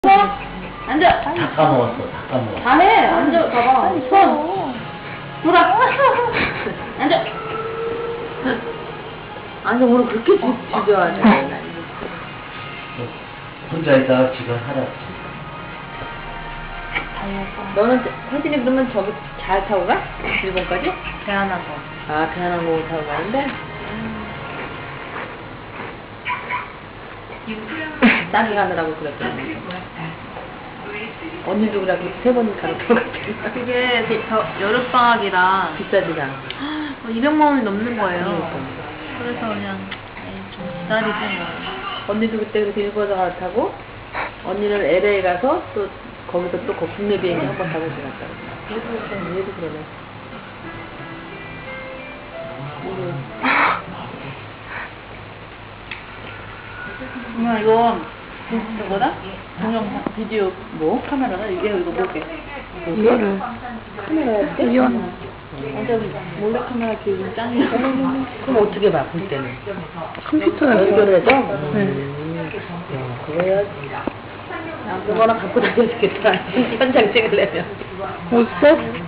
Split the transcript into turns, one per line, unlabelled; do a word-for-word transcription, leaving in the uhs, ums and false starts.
앉아.
다 까먹었어, 다 까먹었어.
다 해. 앉아. 봐봐. 손. 돌아. 앉아. 아니 오늘 그렇게 죽여하네.
혼자 있다가 지금 하라.
너는 혜진이 그러면 저기 잘 타고 가? 일본까지?
대한항공.
아 대한항공 타고 가는데? 싸게 가느라고 그랬더니 언니도 그래고 세 번 가는 것 같아.
그게 저 여름방학이라
비싸지가.
이백만 원이 넘는 거예요.
그러니까.
그래서 그냥 에이, 좀 기다리지 뭐.
언니도 그때 그렇게 일본에서 갈아타고 언니는 엘에이 가서 또 거기서 또 그 국내 비행기 한 번 타고 지났다. 그래서 그냥 얘도 그러네.
엄마 이거 저거다? 동영상 비디오 뭐? 카메라다? 이게 이거 뭐게?
이거를 카메라야 돼?
이건 완전 몰래 카메라 기준 짱이야.
그럼 어떻게 봐, 볼 때는?
컴퓨터에
연결해서?
네.
음. 야, 그거 해야지. 야, 그거나 갖고 다녀야 되겠다. 현장 찍으려면.
어딨어?